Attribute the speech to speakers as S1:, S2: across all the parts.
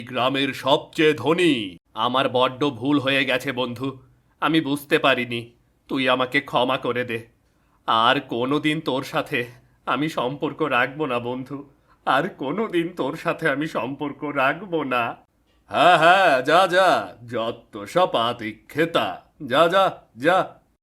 S1: গ্রামের সবচেয়ে ধনী। আমার বড্ড ভুল হয়ে গেছে বন্ধু, আমি বুঝতে পারিনি। তুই আমাকে ক্ষমা করে দে। আর কোনোদিন তোর সাথে আমি সম্পর্ক রাখবো না বন্ধু, আর কোনোদিন তোর সাথে আমি সম্পর্ক রাখবো না। হ্যাঁ হ্যাঁ, যা যা, যত সব আতিক্ষেতা, যা যা যা।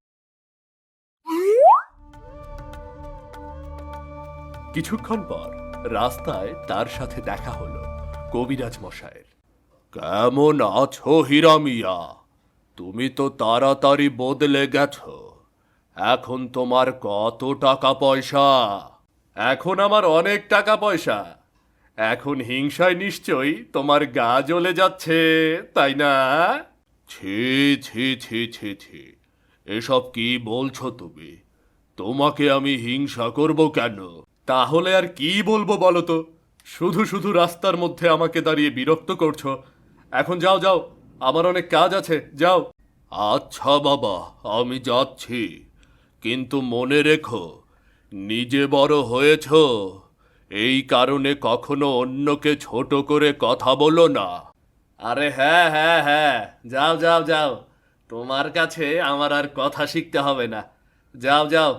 S1: কিছুক্ষণ পর রাস্তায় তার সাথে দেখা হলো কবিরাজ মশাইয়ের। কেমন আছো হীরা মিয়া? তুমি তো তাড়াতাড়ি বদলে গেছো। এখন তোমার কত টাকা পয়সা? এখন আমার অনেক টাকা পয়সা। এখন হিংসায় নিশ্চয়ই তোমার গা জ্বলে যাচ্ছে, তাই না? ছি ছি ছি ছি ছি, এসব কি বলছো তুমি? তোমাকে আমি হিংসা করব কেন? তাহলে আর কি বলবো বলো তো? শুধু শুধু রাস্তার মধ্যে আমাকে দাঁড়িয়ে বিরক্ত করছো। এখন যাও যাও, আমার অনেক কাজ আছে, যাও। আচ্ছা বাবা, আমি যাচ্ছি, কিন্তু মনে রেখো, নিজে বড় হয়েছ, এই কারণে কখনো অন্যকে ছোট করে কথা বলো না। আরে হ্যাঁ হ্যাঁ হ্যাঁ, যাও যাও যাও, তোমার কাছে আমার আর কথা শিখতে হবে না, যাও যাও।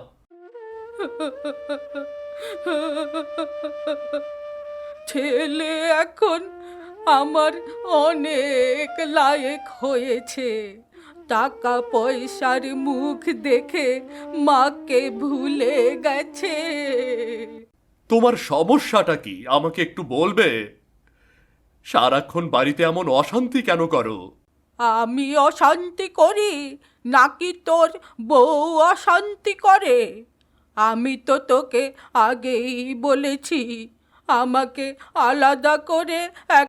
S2: ছেলে এখন আমার অনেক লায়েক হয়েছে। টাকা পয়সার মুখ দেখে মাকে ভুলে গেছে।
S1: তোমার সমস্যাটা কি আমাকে একটু বলবে? সারাক্ষণ বাড়িতে এমন অশান্তি কেন করো?
S2: আমি অশান্তি করি নাকি তোর বউ অশান্তি করে? আমি তো তোকে আগেই বলেছি, আমাকে আলাদা করে